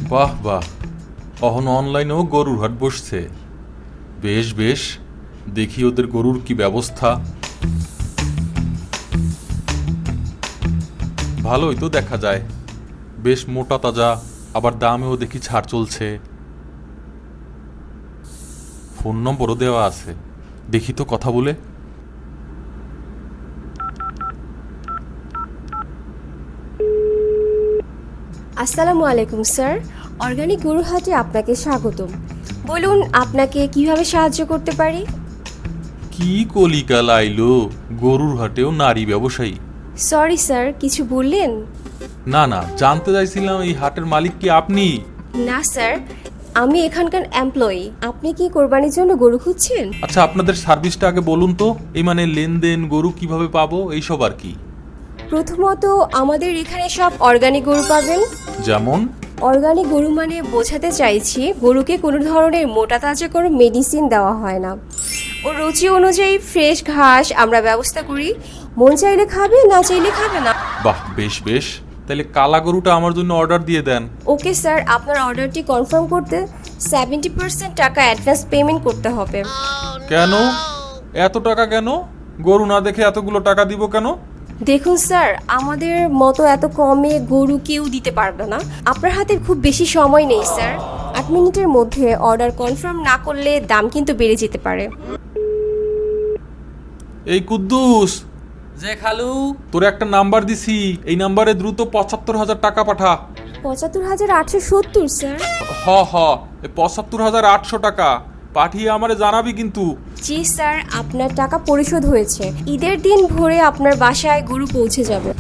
বাহ বাহ, অহন অনলাইনেও গরুর হাট বসছে। বেশ বেশ, দেখি ওদের গরুর কি ব্যবস্থা। ভালোই তো দেখা যায়, বেশ মোটা তাজা, আবার দামেও দেখি ছাড় চলছে। ফোন নম্বরও দেওয়া আছে, দেখি তো কথা বলে। আসসালামু আলাইকুম স্যার, অর্গানিক গরুর হাটে আপনাকে স্বাগতম। বলুন আপনাকে কিভাবে সাহায্য করতে পারি? কি কলিকাল আইলো, গরুর হাটেও নারী ব্যবসায়ী। সরি স্যার, কিছু বললেন? না না, জানতে চাইছিলাম এই হাটের মালিক কি আপনি? না স্যার, আমি এখানকার এমপ্লয়ি। আপনি কি কোরবানির জন্য গরু খুঁজছেন? আচ্ছা, আপনাদের সার্ভিসটা আগে বলুন তো, এই মানে লেনদেন, গরু কিভাবে পাবো, এইসব আর কি। প্রথমত আমাদের এখানে সব অর্গানিক গরু পাবেন। যেমন? অর্গানিক গরু মানে বোঝাতে চাইছি গরুকে কোনো ধরনের মোটা তাজা কোনো মেডিসিন দেওয়া হয় না। ও রুচি অনুযায়ী ফ্রেশ ঘাস আমরা ব্যবস্থা করি। মন চাইলে খাবে, না চাইলে খাবে না। বাহ, বেশ বেশ, তাহলে কালা গরুটা আমার জন্য অর্ডার দিয়ে দেন। ওকে স্যার, আপনার অর্ডারটি কনফার্ম করতে 70% টাকা অ্যাডভান্স পেমেন্ট করতে হবে। কেন এত টাকা কেন? গরু না দেখে এতগুলো টাকা দিব কেন? দেখুন স্যার, আমাদের মতো এত কমে গরু কেউ দিতে পারবে না। আপনার হাতে খুব বেশি সময় নেই স্যার। 8 মিনিটের মধ্যে অর্ডার কনফার্ম না করলে দাম কিন্তু বেড়ে যেতে পারে। এই কুদ্দুস, যে খালু, তোর একটা নাম্বার দিছি, এই নাম্বারে দ্রুত 75,000 টাকা পাঠা। 75,870 স্যার। হ হ, 75,800 টাকা পাঠিয়ে আমারে জানাবি কিন্তু। জি স্যার, আপনার টাকা পরিশোধ হয়েছে। ঈদের দিন ভোরে আপনার বাসায় গরু পৌঁছে যাবে।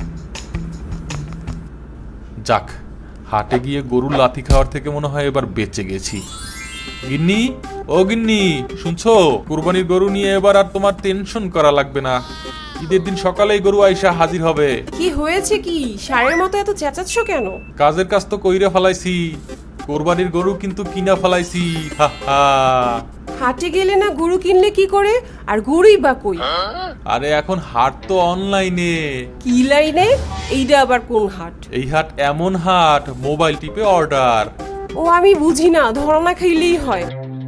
যাক, হাটে গিয়ে গরুর লাথি খাওয়ার থেকে মনে হয় এবার বেঁচে গেছি। গিন্নি, ও গিন্নি, শুনছো? কুরবানির গরু নিয়ে এবার আর তোমার টেনশন করা লাগবে না। ঈদের দিন সকালেই গরু আইসা হাজির হবে। কি হয়েছে কি? সারের মতো এত চেঁচাচ্ছ কেন? কাজের কাজ তো কইরা ফেলাইছি, কোরবানির গরু কিন্তু কিনা ফেলাইছি। হা হা। হাটে গেলে না গরু কিনলে কি করে? আর গরুই বা কই? আরে এখন হাট তো অনলাইনে। কি লাইনে? এইটা আবার কোন হাট? এই হাট এমন হাট, মোবাইল টিপে অর্ডার। ও আমি বুঝি না, ধরনা খাইলেই হয়।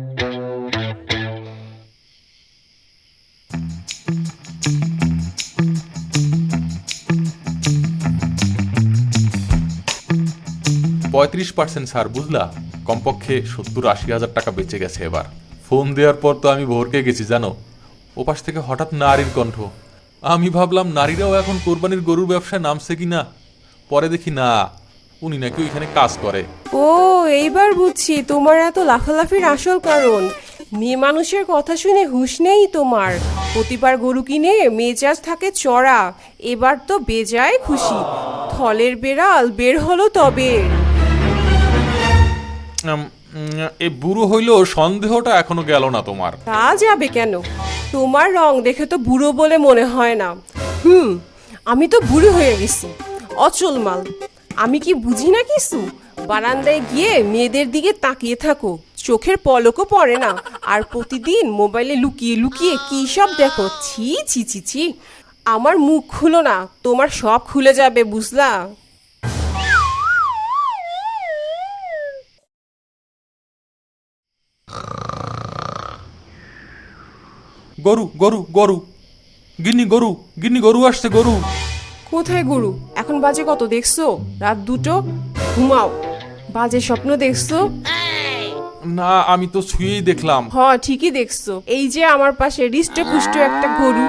%35 ছাড়, বুঝলা? কমপক্ষে 70-80 হাজার টাকা বেঁচে গেছে এবার। ফোন দেওয়ার পর তো আমি ভরকে গেছি জানো। ওপাশ থেকে হঠাৎ নারীর কণ্ঠ। আমি ভাবলাম নারীরাও এখন কোরবানির গরুর ব্যবসায় নামছে কিনা। পরে দেখি না, উনি নাকি ওইখানে কাজ করে। ও এইবার বুঝছি তোমার এত লাফালাফির আসল কারণ। মেয়ে মানুষের কথা শুনে হুঁশ নেই তোমার। প্রতিবার গরু কিনে মেজাজ থাকে চড়া। এবার তো বেজায় খুশি। থলের বেড়াল বের হলো তবে। এই বুড়ো হইলেও সন্দেহটা এখনো গেল না তোমার। তা যাবে কেন? তোমার রং দেখে তো বুড়ো বলে মনে হয় না। আমি তো বুড়ো হয়ে গেছি, অচল মাল। আমি কি বুঝি না কিছু? বারান্দায় গিয়ে মেয়েদের দিকে তাকিয়ে থাকো, চোখের পলকও পড়ে না। আর প্রতিদিন মোবাইলে লুকিয়ে লুকিয়ে কি সব দেখো। ছি ছি ছি ছি। আমার মুখ খুলো না, তোমার সব খুলে যাবে, বুঝলা? গরু গরু গরু, গিন্নি গরু, গিন্নি গরু আসছে, গরু। কোথায় গরু? এখন বাজে কত দেখছো? রাত 2টো। ঘুমাও। বাজে স্বপ্ন দেখছো? না, আমি তো ছুঁয়েই দেখলাম। হ, ঠিকই দেখছো। এই যে আমার পাশে হৃষ্টে পুষ্ট একটা গরু।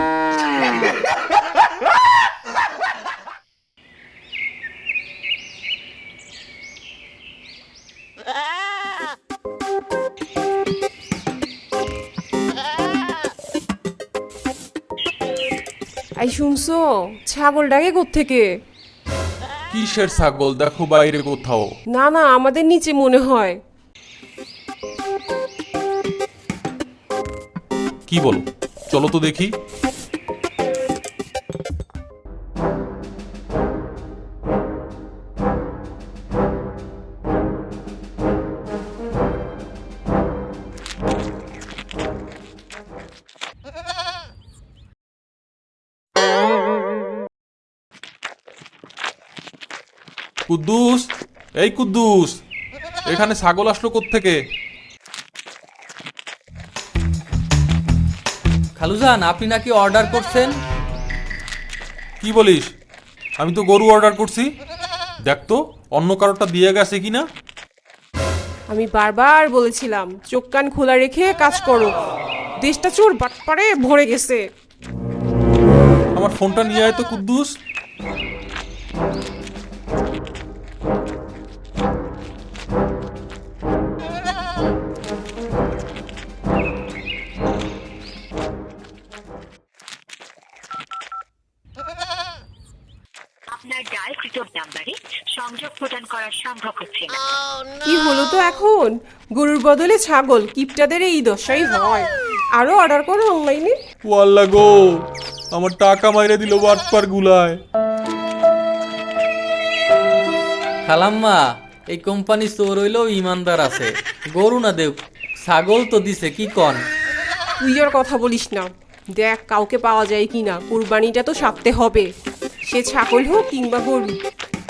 এই শুনছো? ছাগল ডাকে কোত্থেকে? কিসের ছাগল? দেখো বাইরে কোথাও। না না, আমাদের নিচে মনে হয়। কি বলো? চলো তো দেখি। কুদ্দুস, এই কুদ্দুস, এখানে ছাগল আসলো কোত্থেকে? খালুজান, আপনি নাকি অর্ডার করছেন? কি বলিস? আমি তো গরু অর্ডার করছি। দেখ তো অন্য কারোরটা দিয়ে গেছে কিনা। আমি বারবার বলেছিলাম চোখ কান খোলা রেখে কাজ করো, দেশটা চোর বাটপারে ভরে গেছে। আমার ফোনটা নিয়ে আয় তো কুদ্দুস। আপনার ডায়ালকৃত নাম্বারে সংযোগ প্রদান করা সম্ভব হচ্ছে না। কি হলো তো এখন? গরুর বদলে ছাগল, কিপটাদের এই দশাই হয়। আরো অর্ডার করো অনলাইনে। ওয়াল্লা গো, আমার টাকা মাইরে দিল বাটপার গুলায়। খালাম্মা, এই কোম্পানি চোর হইলেও ইমানদার আছে। গরু না দেব, ছাগল তো দিছে, কি কন? তুই আর কথা বলিস না। দেখ কাউকে পাওয়া যায় কিনা, কুরবানিটা তো সারতে হবে, সে ছাগল হোক কিংবা গরু।